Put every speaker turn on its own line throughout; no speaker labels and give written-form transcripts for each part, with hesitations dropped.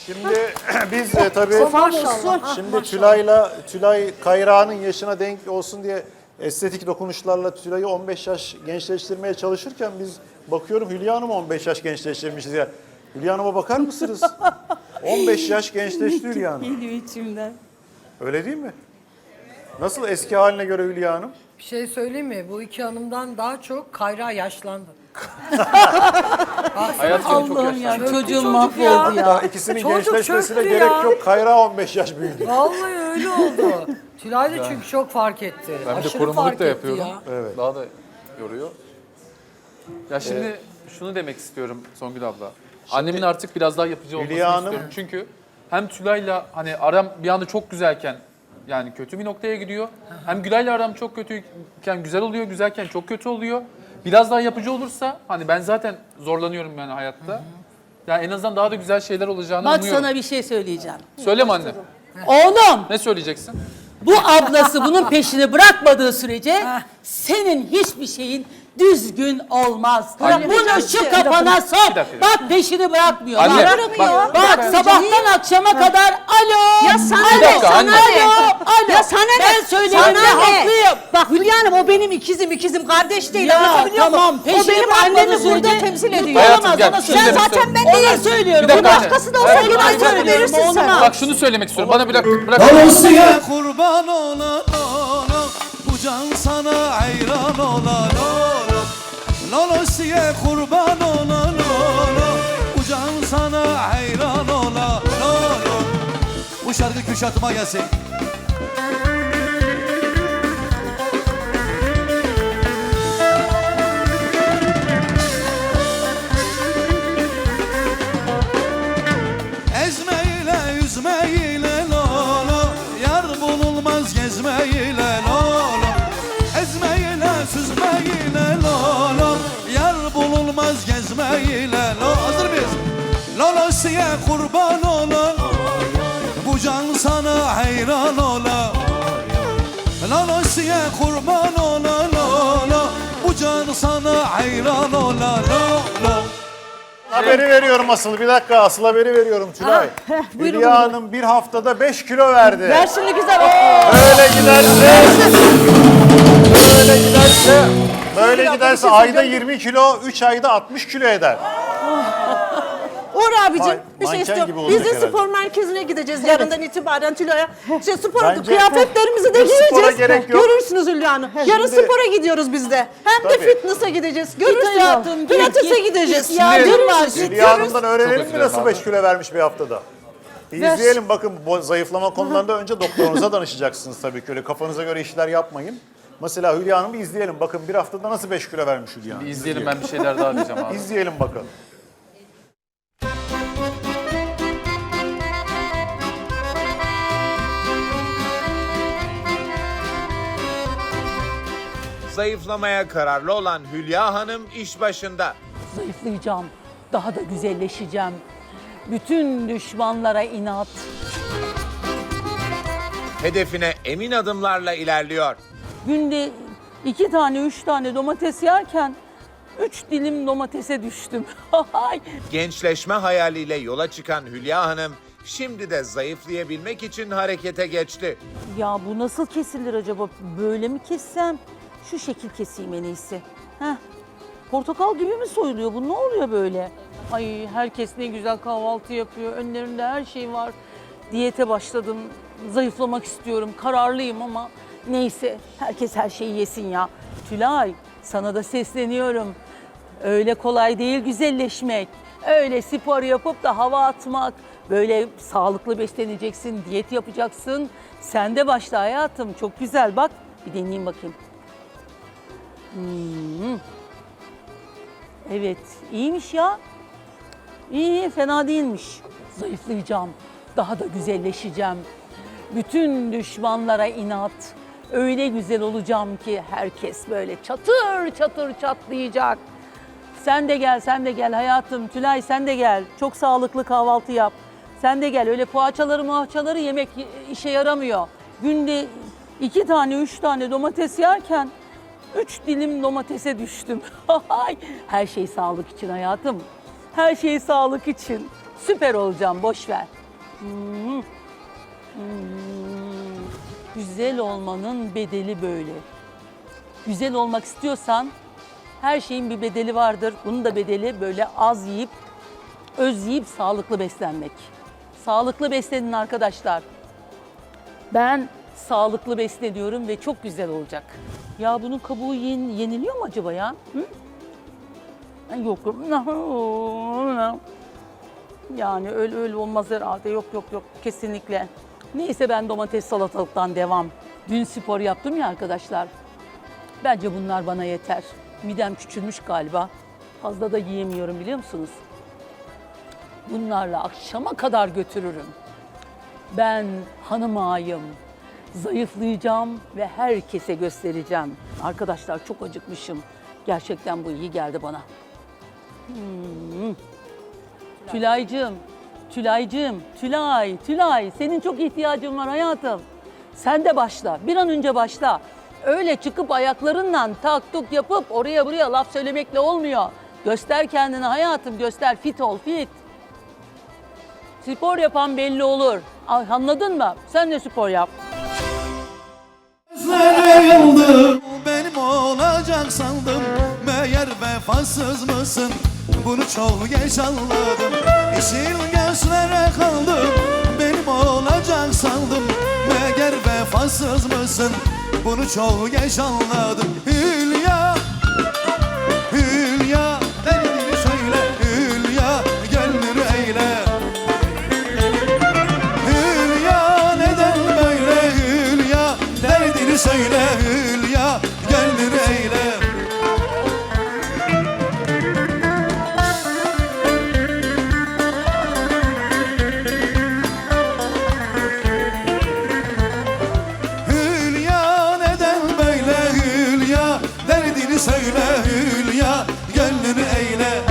Şimdi biz tabii
Maşallah.
şimdi Tülay Kayra'nın yaşına denk olsun diye estetik dokunuşlarla Tülay'ı 15 yaş gençleştirmeye çalışırken biz bakıyorum Hülya Hanım 15 yaş gençleştirmişiz ya. Hülya Hanım'a bakar mısınız? 15 yaş gençleşti Hülya Hanım.
Geliyor içimden.
Öyle değil mi? Nasıl eski haline göre Hülya Hanım?
Bir şey söyleyeyim mi? Bu iki hanımdan daha çok Kayra yaşlandı.
Hayat seni çok
Allah'ım
yaşlandı.
ya çocuğum
çocuk
mahvoldu
ya.
ya.
Daha ikisinin
Çocuk
gençleşmesine
çöktü
gerek
ya.
yok. Kayra 15 yaş büyüdü.
Vallahi öyle oldu. Tülay da çünkü çok fark etti.
Ben bir de
Aşırı
korumluluk
fark
da
etti
yapıyorum.
ya.
Evet.
Daha da yoruyor. Ya şimdi şunu demek istiyorum Songül abla. Annemin artık biraz daha yapıcı olmasını
Hülya Hanım-
istiyorum. Çünkü hem Tülay'la hani aram bir anda çok güzelken yani kötü bir noktaya gidiyor. Hem Gülay'la aram çok kötüyken güzel oluyor, güzelken çok kötü oluyor. Biraz daha yapıcı olursa hani ben zaten zorlanıyorum yani hayatta. Yani en azından daha da güzel şeyler olacağını
Bak
umuyorum.
sana bir şey söyleyeceğim.
Söyleme anne.
Oğlum
Ne söyleyeceksin?
bu ablası bunun peşini bırakmadığı sürece senin hiçbir şeyin düzgün olmaz.
Anne.
Bunu şu kafana sok.
Bir dakika.
Bak peşini bırakmıyor.
Anne,
Bak,
bak,
sabahtan akşama kadar alo.
Ya sana
Bir
ne?
dakika,
Sana
anne.
ne?
Alo.
Ya sana ne?
Ben söyleyeyim
Sana
de
ne?
haklıyım.
Bak Hülya Hanım o benim ikizim kardeş değil.
Ya,
Anlatabiliyor
tamam,
muyum?
peşini
O benim
bırakmadığı
annemi burada
sürece
temsil ediyor.
Hayatım,
Olamaz,
gel,
ona
şunu
Sen
demek
zaten
istiyorum.
ben
Ona
değilim.
söylüyorum.
Bir dakika
Ona-
anne.
Başkası da olsa
Evet.
yine aynı verirsin sen.
Bak şunu söylemek istiyorum. Bana bırak.
Olosya kurban olan ola, bu can sana hayran olan ola. Olosya kurban olan ola, bu can sana hayran olan ola. Bu şarkı Kürşat'ıma gelsin. Ezmeyle yüzmeyle lolo, yar bulunmaz gezmeyle lolo. Ezmeyle süzmeyle lolo, yar bulunmaz gezmeyle lolo. Hazır mıyız? Lolo siye kurban ola, bu can sana hayran ola. Lolo siye kurban ola lolo, bu can sana hayran ola lolo.
Haberi veriyorum asıl. Bir dakika asıl haberi veriyorum Tülay. Hülya Hanım bir haftada 5 kilo verdi.
Ver şimdi güzel.
Böyle giderse ayda 20 kilo, 3 ayda 60 kilo eder.
Uğur abicim bir
manken
şey
gibi
istiyorum.
olacak
Biz de
herhalde.
spor merkezine gideceğiz yarından itibaren Tülay'a. İşte spor
Bence-
kıyafetlerimizi de
Hiç spora
giyeceğiz.
gerek yok.
Görürsünüz Hülya Hanım. Yarın
Şimdi-
spora gidiyoruz biz de. Hem de
Tabii.
fitness'a gideceğiz. Görürsünüz.
hayatım, git,
Pilates'e
git.
gideceğiz.
İhtiyacın var.
Hülya Hanım'dan öğrenelim
Çok
mi
özür
nasıl
dilerim
5 kilo vermiş bir haftada? Bir izleyelim bakın bu zayıflama konularında önce doktorunuza danışacaksınız tabii ki. Öyle kafanıza göre işler yapmayın. Mesela Hülya Hanım'ı izleyelim. Bakın bir haftada nasıl 5 kilo vermiş Hülya Hanım.
Bir izleyelim, ben bir şeyler daha diyeceğim abi.
İzleyelim bakalım.
Zayıflamaya kararlı olan Hülya Hanım iş başında.
Zayıflayacağım. Daha da güzelleşeceğim. Bütün düşmanlara inat.
Hedefine emin adımlarla ilerliyor.
Günde 2 tane 3 tane domates yerken 3 dilim domatese düştüm.
Gençleşme hayaliyle yola çıkan Hülya Hanım şimdi de zayıflayabilmek için harekete geçti.
Ya bu nasıl kesilir acaba? Böyle mi kessem? Şu şekil keseyim en iyisi. Heh. Portakal gibi mi soyuluyor bu? Ne oluyor böyle? Ay herkes ne güzel kahvaltı yapıyor. Önlerinde her şey var. Diyete başladım. Zayıflamak istiyorum. Kararlıyım ama neyse. Herkes her şeyi yesin ya. Tülay sana da sesleniyorum. Öyle kolay değil güzelleşmek. Öyle spor yapıp da hava atmak. Böyle sağlıklı besleneceksin, diyet yapacaksın. Sen de başla hayatım. Çok güzel bak. Bir deneyeyim bakayım. Evet, iyiymiş ya. İyi, fena değilmiş. Zayıflayacağım, daha da güzelleşeceğim. Bütün düşmanlara inat. Öyle güzel olacağım ki herkes böyle çatır çatır çatlayacak. Sen de gel, sen de gel hayatım. Tülay sen de gel. Çok sağlıklı kahvaltı yap. Sen de gel. Öyle poğaçaları yemek işe yaramıyor. Günde 2 tane, 3 tane domates yerken 3 dilim domatese düştüm. Her şey sağlık için hayatım. Her şey sağlık için. Süper olacağım, boş ver. Güzel olmanın bedeli böyle. Güzel olmak istiyorsan her şeyin bir bedeli vardır. Bunun da bedeli böyle az yiyip, öz yiyip sağlıklı beslenmek. Sağlıklı beslenin arkadaşlar. Ben sağlıklı besleniyorum ve çok güzel olacak. Ya bunun kabuğu yeniliyor mu acaba ya? Hı? Yok. Yani öyle olmaz herhalde. Yok kesinlikle. Neyse ben domates salatalıktan devam. Dün spor yaptım ya arkadaşlar. Bence bunlar bana yeter. Midem küçülmüş galiba. Fazla da yiyemiyorum biliyor musunuz? Bunlarla akşama kadar götürürüm. Ben hanım ağayım. Zayıflayacağım ve herkese göstereceğim. Arkadaşlar çok acıkmışım. Gerçekten bu iyi geldi bana. Tülay, senin çok ihtiyacın var hayatım. Sen de başla, bir an önce başla. Öyle çıkıp ayaklarınla tak tuk yapıp oraya buraya laf söylemekle olmuyor. Göster kendini hayatım, göster, fit ol, fit. Spor yapan belli olur. Anladın mı? Sen de spor yap.
Gözleri yıldı, benim olacak sandım. Meğer vefasız mısın? Bunu çok geç anladım. Yeşil gözlere kaldım, benim olacak sandım. Meğer vefasız mısın? Bunu çok geç anladım. Hülya, Hülya, derdini söyle. Hülya, gönlünü eyle. Hülya, neden böyle? Hülya, derdini söyle. Hülya, gönlünü eyle. Hülya, neden böyle? Hülya, derdini söyle. Hülya, gönlünü eyle.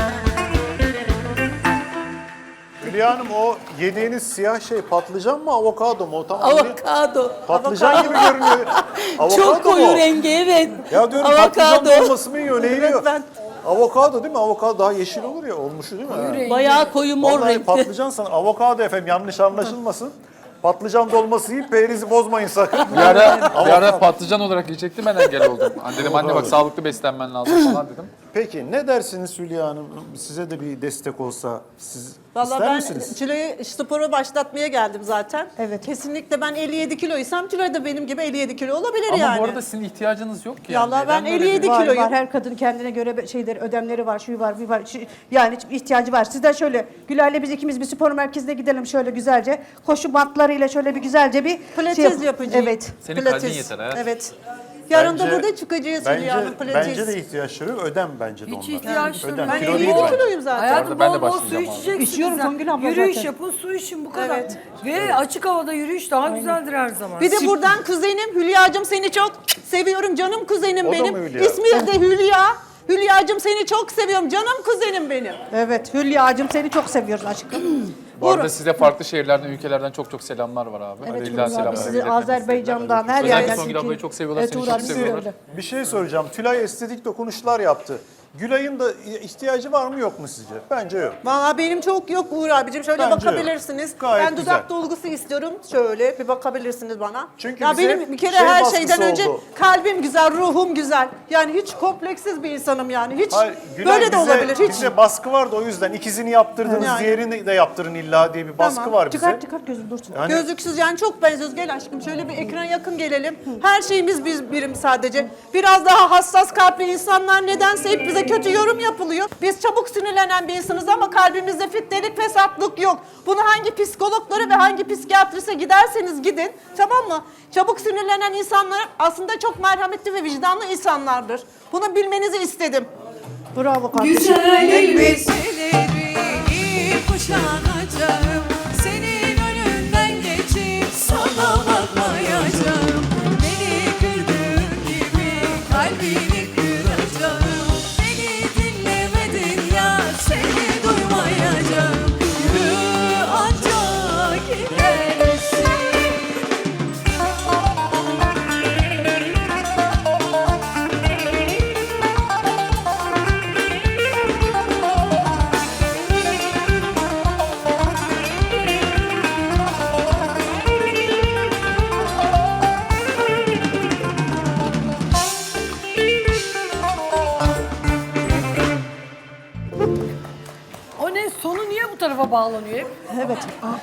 Hülya Hanım, o yediğiniz siyah şey patlıcan mı, avokado mu? O tam
Avokado.
patlıcan gibi görünüyor. Avokado
Çok koyu
mu?
rengi, evet.
Ya diyorum patlıcan
Avokado.
dolması mı yiyor, ne yiyor? Avokado değil mi? Avokado daha yeşil olur ya, olmuşu değil mi? Ha.
Bayağı koyu mor
Vallahi
renkli.
patlıcan sana, avokado efendim, yanlış anlaşılmasın. Patlıcan dolması yiyip perinizi bozmayın sakın.
Bir ara patlıcan olarak yiyecektim, ben engel oldum. Dedim anne bak sağlıklı beslenmen lazım falan dedim.
Peki ne dersiniz Hülya Hanım? Size de bir destek olsa siz
Vallahi
ister
ben
misiniz?
Tülay'ı sporu başlatmaya geldim zaten.
Evet.
Kesinlikle ben 57 kiloysam Tülay da benim gibi 57 kilo olabilir
Ama
yani.
bu arada sizin ihtiyacınız yok ki.
Vallahi ben
Neden böyle
57
bir-
Var,
kiloyum.
var. Her kadın kendine göre şeyleri, ödemleri var, şu var, bu var. Yani ihtiyacı var. Sizden şöyle, Gülay'la biz ikimiz bir spor merkezine gidelim şöyle güzelce. Koşu bantlarıyla şöyle bir güzelce bir
Pilates yapacağım.
Evet.
Senin kalbin yeter ha.
Evet. Yarın da
Bence-
burada çıkacağız Hülya Hanım, pilates.
Bence de ihtiyaçları yok. Ödem bence de
Hiç
onlar.
ihtiyaç
Ödem.
duymuyorum.
Ben
Kilo
57
değil bence.
kiloyum zaten.
Hayatım
Ben de
bol bol su
başlayacağım abi.
içeceksiniz.
İçiyorum
zaten.
Songül abla
Yürüyüş
zaten.
yapın, su için bu kadar.
Evet.
Ve açık havada yürüyüş daha güzeldir her zaman.
Bir de buradan kuzenim Hülya'cığım seni çok seviyorum. Canım kuzenim
O da
benim.
mı Hülya?
İsmi de Hülya. Hülya'cığım seni çok seviyorum. Canım kuzenim benim.
Evet. Hülya'cığım seni çok seviyoruz aşkım.
Bu arada size farklı şehirlerden, ülkelerden çok selamlar var abi.
Evet,
İlla selamlar.
sizi
iletmenizi
Azerbaycan'dan her
Özellikle
yerden.
Songül ablayı çok seviyorlar, seni
Tuğra
çok
bizi
seviyorlar.
öyle.
Bir şey soracağım. Tülay estetik dokunuşlar yaptı. Gülay'ın da ihtiyacı var mı yok mu sizce? Bence yok.
Valla benim çok yok Uğur abicim. Şöyle
Bence
bakabilirsiniz.
yok. Gayet
Ben dudak
güzel.
dolgusu istiyorum. Şöyle bir bakabilirsiniz bana.
Çünkü
ya
bize
benim bir kere
şey
her
baskısı
şeyden önce
oldu.
kalbim güzel, ruhum güzel. Yani hiç kompleksiz bir insanım yani. Hiç
Hayır, Gülay,
böyle de olabilir. Hiç.
Bize baskı vardı, o yüzden ikizini yaptırdınız,
Yani.
diğerini de yaptırın illa diye bir baskı
Tamam.
var bize.
Çıkart gözüm dursun.
Yani
Gözlüksüz yani çok benziyoruz. Gel aşkım şöyle bir ekran yakın gelelim. Her şeyimiz birim sadece. Biraz daha hassas kalpli insanlar nedense hep bize kötü yorum yapılıyor. Biz çabuk sinirlenen bir insanız ama kalbimizde fitnelik, fesatlık yok. Bunu hangi psikologlara ve hangi psikiyatrise giderseniz gidin, tamam mı? Çabuk sinirlenen insanlar aslında çok merhametli ve vicdanlı insanlardır. Bunu bilmenizi istedim.
Bravo kardeşim.
Güzel elbiseleri kuşanacağım. Senin önünden geçip sana bakmayacağım. Beni kırdığın gibi kalbini kıracağım. Beni dinlemedin ya seni duymayacağım. Yürü ancak gidersin.
tarafa bağlanıyor hep.
Evet.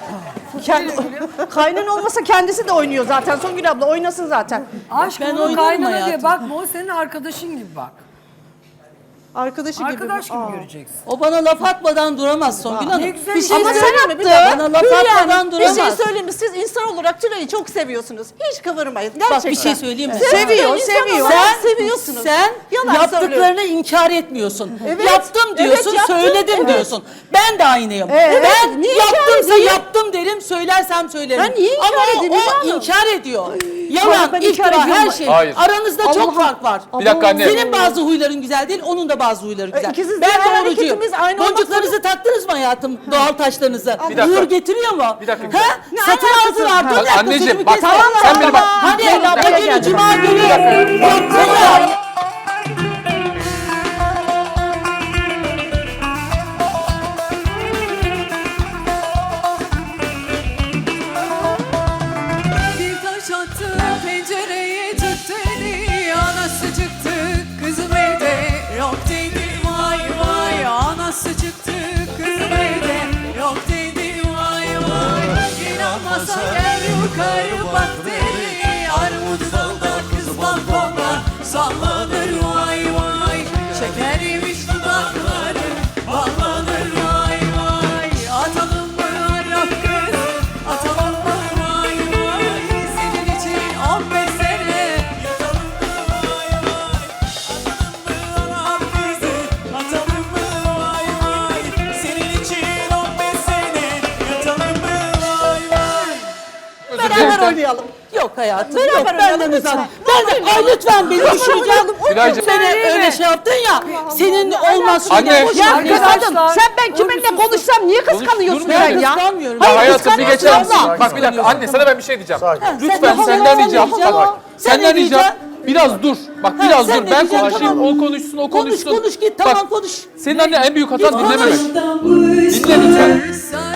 Kaynan olmasa kendisi de oynuyor zaten. Songül abla oynasın zaten.
Aşk
Ben
onu
oynarım
kaynana diye
hayatım.
bakma, o senin arkadaşın gibi bak.
Arkadaşı gibi.
Arkadaş gibi
Aa.
göreceksin.
O bana laf atmadan duramaz Songül Hanım.
Ne güzel
Bir şey
ama
sen
söyleyeyim mi?
attın.
Bir dakika, bana laf
Hülya
atmadan
Hanım, bir
duramaz.
şey söyleyeyim mi? Siz insan olarak Tülay'ı çok seviyorsunuz. Hiç kıvırmayın. Gerçekten.
Bak bir şey söyleyeyim mi?
Seviyor,
İnsan
seviyor.
olarak seviyorsunuz.
Sen
Yalan
yaptıklarını
söylüyorum.
inkar etmiyorsun.
Evet,
Yaptım diyorsun,
evet, yaptım,
söyledim
evet.
diyorsun. Ben de aynıyım.
Evet,
Ben
niye inkar
yaptımsa
edeyim?
yaptım derim, söylersem söylerim.
Ben niye inkar
Ama
edeyim
o
Hülya Hanım?
inkar ediyor.
Sonra
Yalan,
ben inkar
iftira,
ediyorum.
her şey.
Hayır.
Aranızda çok fark var.
Bir dakika anne.
Senin bazı huyların güzel değil, onun da bazı huyları güzel.
İkiniz de
Ben
her
doğrucuyum.
hareketimiz aynı olmak
Boncuklarınızı taktınız mı hayatım? Doğal taşlarınızı.
Bir dakika.
Uğur getiriyor mu?
Bir dakika.
Ha? Satın aldılar. Dur bir dakika,
Anneciğim,
sözümü
bak,
kesme.
sen beni bak.
Hadi
Leyla
o
buraya
günü
geldi.
cuma günü yaptılar.
Bir taş attı pencereye tut dedi. Anası çıktı kızım evde yok dedi. Vay vay anası çıktı kızım evde yok dedi. Vay vay inanmasa gel yukarı bak dedi. Armut dalda kız balkonda sallanır vay vay. Şeker yemiş dudakları ballanır vay vay. Atalım mı Arap kız atalım mı vay vay. Senin için 15 sene yatalım mı vay vay. Atalım mı Arap kızı atalım mı vay vay. Senin için 15 sene yatalım mı vay vay.
Özür
Beraber
dilerim.
oynayalım.
Yok hayatım.
Beraber
Yok benden
oynayalım
uzak.
lütfen.
Ben de, ay lütfen beni düşüreceğim.
Gülaycığım.
Seni öyle şey yaptın ya. Senin olmaz.
Anne.
Şöyle boş
Ya
ver.
kızım sen ben kiminle konuşsam niye kıskanıyorsun
durmuyor
sen
Ben
ya?
kıskanmıyorum.
Ya
Hayır,
hayatım bir geçer misin?
kıskanmıyorsun.
Bak bir dakika anne sana ben bir şey diyeceğim.
Sakin.
Lütfen
Sen de
senden
havalı
ricam.
olacaksın.
Bak,
Sen
senden
ne
ricam.
diyeceksin?
Biraz dur. Bak
Ha,
biraz
sen
dur.
ne
Ben
diyeceksin?
konuşayım.
Tamam.
O konuşsun. O konuşsun.
Konuş git
Bak,
tamam konuş.
senin anne en büyük hatan
Git konuş.
dinlememek. Dinle lütfen.
Sana